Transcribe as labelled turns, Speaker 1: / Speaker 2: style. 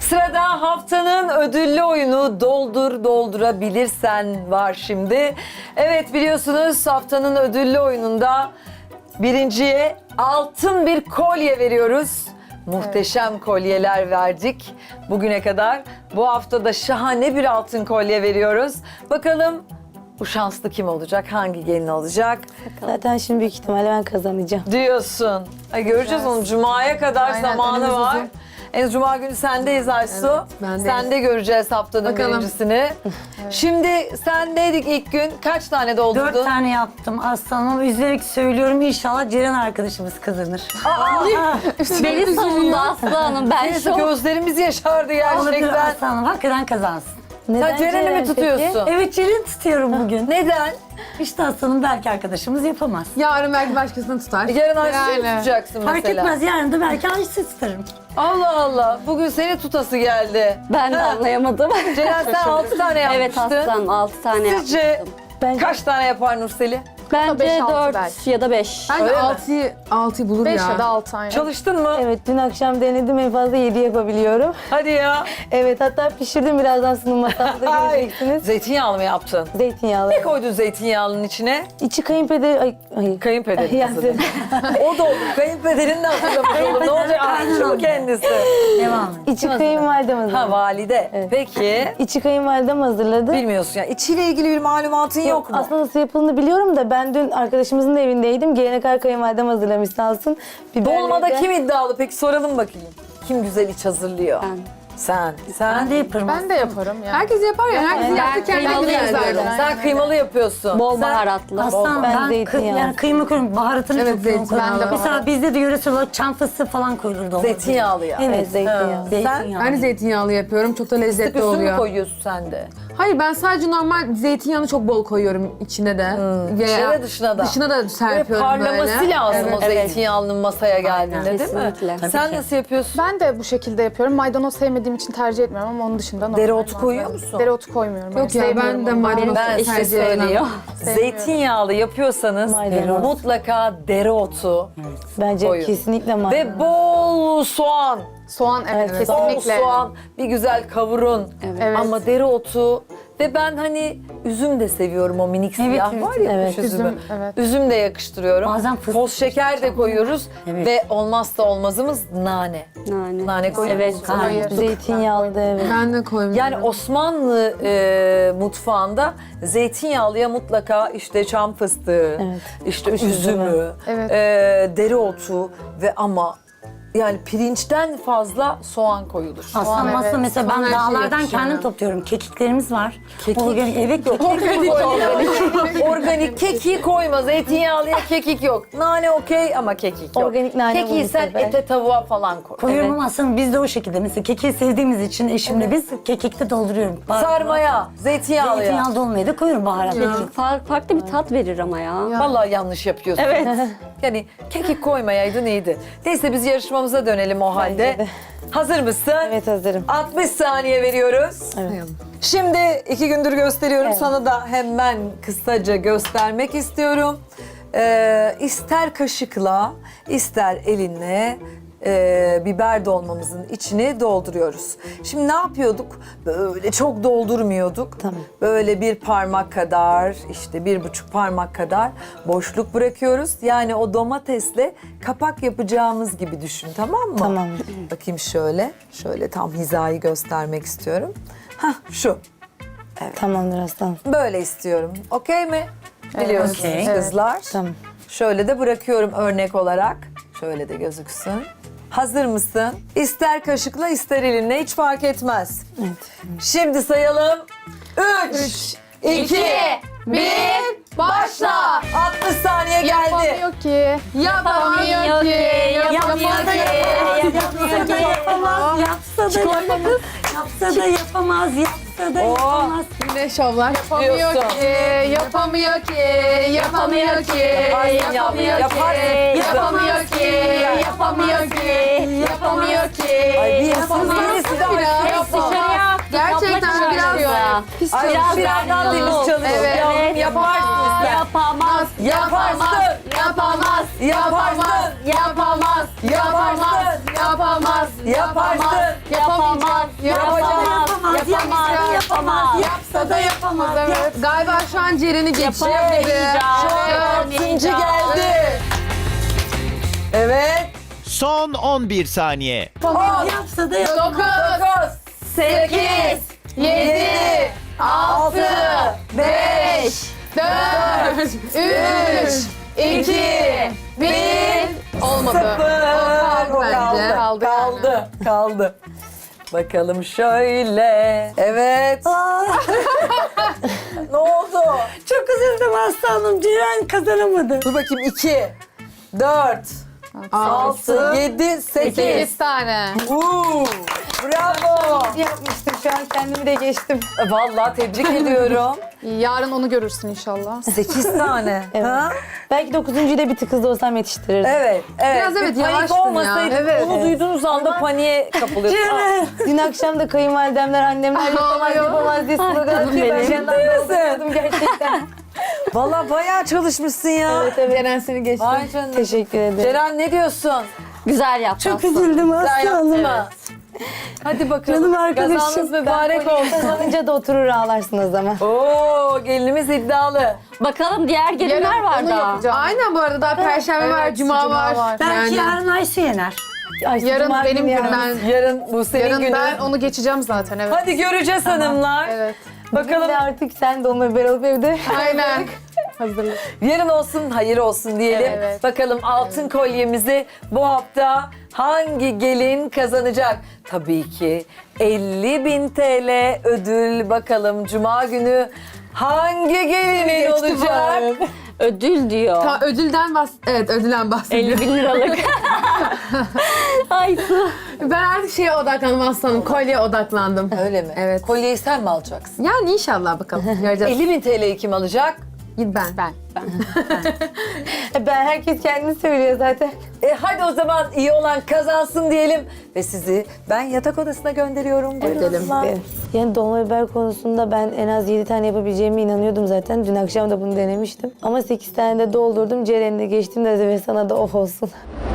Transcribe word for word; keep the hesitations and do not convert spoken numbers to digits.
Speaker 1: Sırada haftanın ödüllü oyunu Doldur Doldurabilirsen var şimdi. Evet, biliyorsunuz haftanın ödüllü oyununda birinciye altın bir kolye veriyoruz. Muhteşem kolyeler verdik bugüne kadar. Bu hafta da şahane bir altın kolye veriyoruz. Bakalım bu şanslı kim olacak? Hangi gelin olacak?
Speaker 2: Zaten şimdi büyük ihtimalle ben kazanacağım.
Speaker 1: Diyorsun. Ay, göreceğiz onu. Cuma'ya kadar
Speaker 3: Aynen,
Speaker 1: zamanı
Speaker 3: önümüz
Speaker 1: var.
Speaker 3: uzun.
Speaker 1: En Cuma günü sendeyiz Aysu.
Speaker 3: ben de.
Speaker 1: Sen de göreceğiz haftanın
Speaker 3: Bakalım.
Speaker 1: birincisini. Şimdi sendeydik ilk gün. Kaç tane doldurdun?
Speaker 4: Dört tane yaptım aslanım. Üzülerek söylüyorum, inşallah Ceren arkadaşımız kazanır.
Speaker 5: Beni savundu Aslı Hanım. Ben
Speaker 1: Neyse,
Speaker 5: şok.
Speaker 1: gözlerimiz yaşardı
Speaker 4: Olabilir
Speaker 1: gerçekten.
Speaker 4: aslanım, hakikaten kazansın.
Speaker 1: Sen Ceren'i mi
Speaker 2: Ceren
Speaker 1: tutuyorsun?
Speaker 4: Evet, Ceren tutuyorum bugün.
Speaker 1: Neden?
Speaker 4: İşte aslanım, belki arkadaşımız yapamaz.
Speaker 3: Yarın belki başkasını tutar.
Speaker 1: Yarın Aysu'yu
Speaker 3: Yani.
Speaker 1: tutacaksın
Speaker 4: Fark
Speaker 1: mesela.
Speaker 4: etmez, yarın da belki Ayşe tutarım.
Speaker 1: Allah Allah. Bugün seni tutası geldi.
Speaker 5: Ben de
Speaker 1: Ha.
Speaker 5: anlayamadım.
Speaker 1: Ceren, sen altı tane
Speaker 5: Evet
Speaker 1: yapmıştın.
Speaker 5: Aslan altı tane
Speaker 1: Sizce
Speaker 5: yapmıştım.
Speaker 2: Bence
Speaker 1: kaç tane yapar Nurseli?
Speaker 5: Bence
Speaker 3: beş, altı
Speaker 5: dört
Speaker 3: belki.
Speaker 5: ya da beş.
Speaker 3: Bence
Speaker 1: Öyle mi?
Speaker 3: altıyı altıyı bulur
Speaker 6: beş
Speaker 3: ya.
Speaker 6: ya da altı aynen.
Speaker 1: Çalıştın mı?
Speaker 2: evet, dün akşam denedim, en fazla yedi yapabiliyorum.
Speaker 1: Hadi ya.
Speaker 2: Evet, hatta pişirdim, birazdan sunum masamda
Speaker 1: Ay,
Speaker 2: göreceksiniz.
Speaker 1: zeytinyağlı mı yaptın?
Speaker 2: Zeytinyağlı.
Speaker 1: Ne koydun zeytinyağlının içine?
Speaker 2: İçi kayınpeder... Ay, ay.
Speaker 1: Kayınpederin
Speaker 2: Yani-
Speaker 1: kızı. O da olur. Kayınpederin de hazırlamış olur. Ne olacak? Aşçı mı kendisi?
Speaker 4: Devam et.
Speaker 2: İçi kayınvalidem
Speaker 1: Ha,
Speaker 2: hazırladı.
Speaker 1: valide.
Speaker 2: Evet.
Speaker 1: Peki.
Speaker 2: İçi kayınvalidem hazırladı.
Speaker 1: Bilmiyorsun ya. İçiyle ilgili bir malumatın yok, mu?
Speaker 2: Aslında nasıl yapıldığını biliyorum da ben dün arkadaşımızın da evindeydim. Gelene kadar kayınvalidem hazırlamış sağ olsun. Biberleri
Speaker 1: Dolmada
Speaker 2: de-
Speaker 1: kim iddialı? Peki soralım bakayım. Kim güzel iç hazırlıyor?
Speaker 5: Ben.
Speaker 1: Sen.
Speaker 4: Ben
Speaker 1: Sen.
Speaker 4: de yaparım.
Speaker 6: Ben de yaparım ya.
Speaker 3: Herkes yapar ya. Herkes
Speaker 2: Ben
Speaker 3: yaptı kendine
Speaker 5: kıymalı
Speaker 3: güzel
Speaker 5: yapıyorum.
Speaker 3: zaten.
Speaker 1: Sen kıymalı yapıyorsun.
Speaker 5: Bol
Speaker 1: Sen-
Speaker 5: baharatlı.
Speaker 4: Aslan,
Speaker 2: Ben
Speaker 4: ben, kı-
Speaker 2: zeytinyağı.
Speaker 4: yani kıyma koyuyorum, baharatını
Speaker 3: Evet,
Speaker 4: çok yoğun
Speaker 3: zeytin, ben de
Speaker 4: koyuyorum. Mesela
Speaker 3: baharat.
Speaker 4: bizde de yöresel olarak çam fıstığı falan koyulur dolmada.
Speaker 1: Zeytinyağlı ya.
Speaker 4: Evet,
Speaker 2: Evet, zeytinyağlı.
Speaker 1: Ha.
Speaker 4: zeytinyağlı.
Speaker 3: Ben de zeytinyağlı yapıyorum. Çok da lezzetli
Speaker 1: Üstü mü
Speaker 3: oluyor.
Speaker 1: koyuyorsun sen de?
Speaker 3: Hayır, ben sadece normal zeytinyağını çok bol koyuyorum içine de. Veya
Speaker 1: İçine de dışına da.
Speaker 3: Dışına da
Speaker 1: Böyle
Speaker 3: serpiyorum böyle.
Speaker 1: parlaması lazım
Speaker 3: Evet.
Speaker 1: o zeytinyağlının masaya geldiğinde, değil mi?
Speaker 5: Kesinlikle.
Speaker 4: Tabii
Speaker 1: Sen
Speaker 4: ki.
Speaker 1: nasıl yapıyorsun?
Speaker 6: Ben de bu şekilde yapıyorum. Maydanoz sevmediğim için tercih etmiyorum ama onun dışında normal.
Speaker 1: Dereotu
Speaker 6: malzeme.
Speaker 1: koyuyor musun?
Speaker 6: Dereotu koymuyorum.
Speaker 3: Yok ya,
Speaker 6: sevmiyorum
Speaker 3: ben de
Speaker 6: onu.
Speaker 3: maydanoz
Speaker 1: Ben
Speaker 5: İşte
Speaker 3: tercih etmem.
Speaker 5: söylüyor.
Speaker 1: Zeytinyağlı yapıyorsanız
Speaker 2: Maydanoz.
Speaker 1: mutlaka dereotu
Speaker 2: Bence
Speaker 1: koyun.
Speaker 2: kesinlikle maydanoz.
Speaker 1: ve bol soğan.
Speaker 6: Soğan evet,
Speaker 2: Evet.
Speaker 1: Bol
Speaker 6: kesinlikle.
Speaker 1: soğan, bir güzel kavurun.
Speaker 6: Evet.
Speaker 1: Ama dereotu ve ben hani üzüm de seviyorum, o minik siyah
Speaker 4: evet,
Speaker 1: var ya,
Speaker 2: evet.
Speaker 1: kuş üzümü.
Speaker 6: Üzüm, evet.
Speaker 1: Üzüm de yakıştırıyorum.
Speaker 4: Bazen fıstık
Speaker 1: Toz şeker de koyuyoruz
Speaker 4: Evet.
Speaker 1: ve olmazsa olmazımız nane.
Speaker 5: Nane.
Speaker 1: Nane koyuyor
Speaker 5: Evet.
Speaker 1: musun?
Speaker 6: Hayır.
Speaker 2: Zeytinyağlı da evet.
Speaker 3: Ben de koymuyorum.
Speaker 1: Yani Osmanlı e, mutfağında zeytinyağlıya mutlaka işte çam fıstığı,
Speaker 2: Evet.
Speaker 1: işte
Speaker 2: Kuş
Speaker 1: üzümü,
Speaker 2: üzümü.
Speaker 6: Evet.
Speaker 1: e, dereotu ve ama yani pirinçten fazla soğan koyulur.
Speaker 4: Aslan
Speaker 6: Soğan,
Speaker 4: masa
Speaker 6: evet.
Speaker 4: mesela
Speaker 3: Soğan
Speaker 4: ben
Speaker 3: her şeye
Speaker 4: dağlardan
Speaker 3: yakışıyor
Speaker 4: kendim
Speaker 3: ya.
Speaker 4: topluyorum. Kekiklerimiz var.
Speaker 1: Kekik?
Speaker 4: Organik, evet, kekik.
Speaker 1: Organik, organik. Organik kekik koyma. Zeytinyağlıya kekik yok. Nane okey ama kekik yok.
Speaker 2: Organik nane
Speaker 1: Kekiği
Speaker 2: bu
Speaker 1: sen
Speaker 2: sefer.
Speaker 1: ete tavuğa falan koy.
Speaker 4: Koyuyorum ama aslında biz de o şekilde. Mesela kekiği sevdiğimiz için eşimle biz kekikte dolduruyorum. Bahar-
Speaker 1: Sarmaya, zeytinyağlıya.
Speaker 4: Zeytinyağlı dolmaya da koyuyorum baharatlı.
Speaker 5: Fa- farklı bir tat verir ama ya.
Speaker 1: Vallahi yanlış yapıyorsun.
Speaker 5: Evet.
Speaker 1: Yani kekik koymayaydın iyiydi. Neyse, biz yarışmamıza dönelim o halde.
Speaker 2: de.
Speaker 1: Hazır mısın?
Speaker 2: Evet, hazırım.
Speaker 1: altmış saniye veriyoruz. Şimdi iki gündür gösteriyorum.
Speaker 2: Evet.
Speaker 1: Sana da hemen kısaca göstermek istiyorum. Ee, ister kaşıkla, ister elinle e, biber dolmamızın içini dolduruyoruz. Şimdi ne yapıyorduk? Böyle çok doldurmuyorduk.
Speaker 2: Tamam.
Speaker 1: Böyle bir parmak kadar, işte bir buçuk parmak kadar boşluk bırakıyoruz. Yani o domatesle kapak yapacağımız gibi düşün, tamam mı?
Speaker 2: Tamam.
Speaker 1: Bakayım şöyle, şöyle tam hizayı göstermek istiyorum. Hah, şu.
Speaker 2: Tamamdır aslan.
Speaker 1: Böyle istiyorum. Okey mi? Biliyorsunuz
Speaker 4: okey.
Speaker 1: kızlar.
Speaker 2: Tamam.
Speaker 1: Şöyle de bırakıyorum örnek olarak. Şöyle de gözüksün. Hazır mısın? İster kaşıkla ister elinle, hiç fark etmez.
Speaker 2: Evet.
Speaker 1: Şimdi sayalım. Üç, iki, bir, başla. altmış saniye geldi.
Speaker 6: Yapamıyor ki. Yapamıyor ki. Yapamıyor ki.
Speaker 4: Yapsa da yapamaz, yapsa da yapamaz, yapsa da yapamaz, yapsa da
Speaker 1: Oo.
Speaker 4: yapamaz.
Speaker 3: Yine şovlar.
Speaker 6: Yapamıyor
Speaker 1: Diyorsun.
Speaker 6: ki. Yapamıyor ki. Yapamıyor ki.
Speaker 1: Yaparsın yavrum, yaparsın.
Speaker 6: Yapamıyor ki. Yapamıyor ki. Yapamıyor ki.
Speaker 1: Ay, bir hırsız birisi de aşkım.
Speaker 6: Dışarıya.
Speaker 3: Gerçekten biraz
Speaker 6: ya.
Speaker 3: pis
Speaker 1: Ay,
Speaker 3: çalışıyor.
Speaker 1: birazdan deniz çalışıyor.
Speaker 6: Evet.
Speaker 1: Yavrum, yaparsın sen.
Speaker 5: Yapamaz.
Speaker 1: Yaparsın.
Speaker 6: Yapamaz.
Speaker 1: Yaparsın.
Speaker 6: Yapamaz.
Speaker 1: Yaparsın.
Speaker 6: Yapamaz.
Speaker 1: Yaparsın.
Speaker 6: Yapamayacak.
Speaker 5: yapamaz.
Speaker 4: Yapsa da yapamaz.
Speaker 3: Evet. Galiba şu an Ceren'i geçiyor.
Speaker 1: Şu an altıncı geldi. Evet.
Speaker 7: Son on bir saniye.
Speaker 4: Yapsa da yapamaz.
Speaker 1: dokuz, sekiz, yedi, altı, beş,
Speaker 3: dört, üç, iki, bir. Olmadı.
Speaker 1: sıfır.
Speaker 3: O kaldı bence.
Speaker 1: Kaldı,
Speaker 3: Kaldı yani.
Speaker 1: kaldı, kaldı. Bakalım şöyle. Evet. Ne oldu?
Speaker 4: Çok üzüldüm aslanım. Ceren kazanamadı.
Speaker 1: Dur bakayım. iki, dört, altı, yedi, sekiz.
Speaker 6: sekiz tane.
Speaker 1: Uuu, bravo.
Speaker 2: Yapmıştım şu an kendimi de geçtim.
Speaker 1: Vallahi tebrik ediyorum.
Speaker 6: Yarın onu görürsün inşallah.
Speaker 1: sekiz tane.
Speaker 2: Evet.
Speaker 1: Ha?
Speaker 2: Belki dokuzuncuyu da bir tık hızlı olsam yetiştirirdim.
Speaker 1: Evet, evet.
Speaker 3: Biraz evet,
Speaker 1: Bir panik
Speaker 3: yavaştın ya.
Speaker 1: olmasaydı,
Speaker 3: Evet.
Speaker 1: onu duyduğunuz anda paniğe kapılıyorsunuz.
Speaker 2: Dün akşam da kayınvalidemler, annemler yapamaz
Speaker 3: Ağlıyor.
Speaker 2: yapamaz diye slogan atıyor. Ben
Speaker 1: Ciddi
Speaker 2: yandan
Speaker 1: misin?
Speaker 2: dolduruyordum gerçekten.
Speaker 1: Vallahi bayağı çalışmışsın ya.
Speaker 2: Evet evet.
Speaker 3: Ceren seni geçti.
Speaker 1: Vay canına.
Speaker 2: Teşekkür ederim.
Speaker 1: Ceren ne diyorsun?
Speaker 5: Güzel yaptın.
Speaker 4: Çok üzüldüm
Speaker 1: Güzel
Speaker 4: aslanım.
Speaker 1: yaptın mı? Hadi bakalım.
Speaker 4: Canım arkadaşım.
Speaker 1: Kazanız mübarek olsun.
Speaker 2: Kazanınca da oturur ağlarsın o zaman.
Speaker 1: Oo, gelinimiz iddialı.
Speaker 5: Bakalım diğer gelinler var
Speaker 6: onu
Speaker 5: daha.
Speaker 6: yapacağım.
Speaker 3: Aynen bu arada daha Perşembe var, Cuma,
Speaker 6: Cuma
Speaker 3: var.
Speaker 6: var.
Speaker 4: Belki
Speaker 3: Yani-
Speaker 4: yarın Ayşe yener.
Speaker 2: Ay,
Speaker 6: Yarın
Speaker 2: Cuma
Speaker 6: benim
Speaker 2: günü ya.
Speaker 6: günüm. Ben,
Speaker 1: Yarın bu senin
Speaker 6: yarın
Speaker 1: günün.
Speaker 6: ben onu geçeceğim zaten evet.
Speaker 1: Hadi göreceğiz hanımlar.
Speaker 6: Evet.
Speaker 1: Bakalım
Speaker 2: Bir de artık sen de onunla beraber olup evde.
Speaker 6: Aynen. Hazırlık.
Speaker 1: yarın olsun, hayır olsun diyelim.
Speaker 6: Evet.
Speaker 1: Bakalım altın kolyemizi bu hafta hangi gelin kazanacak? Tabii ki elli bin T L ödül. Bakalım Cuma günü hangi gelinin olacak?
Speaker 5: Ödül diyor.
Speaker 3: Ta ödülden bahs evet ödülden bahsediyor.
Speaker 5: elli bin liralık. Ay su.
Speaker 3: Ben artık şeye odaklandım aslanım. Kolyeye odaklandım.
Speaker 1: Öyle mi?
Speaker 3: Evet.
Speaker 1: Kolyeyi sen mi alacaksın?
Speaker 3: Yani inşallah bakalım. Göreceğiz.
Speaker 1: elli bin T L'yi kim alacak?
Speaker 3: Ben. Ben.
Speaker 2: Ben herkes kendini söylüyor zaten.
Speaker 1: E hadi o zaman iyi olan kazansın diyelim. Ve sizi ben yatak odasına gönderiyorum. Buyurun.
Speaker 3: Edelim.
Speaker 2: Evet. Yani dolma biber konusunda ben en az yedi tane yapabileceğime inanıyordum zaten. Dün akşam da bunu denemiştim. Ama sekiz tane de doldurdum. Ceren'le geçtim de ve sana da of olsun.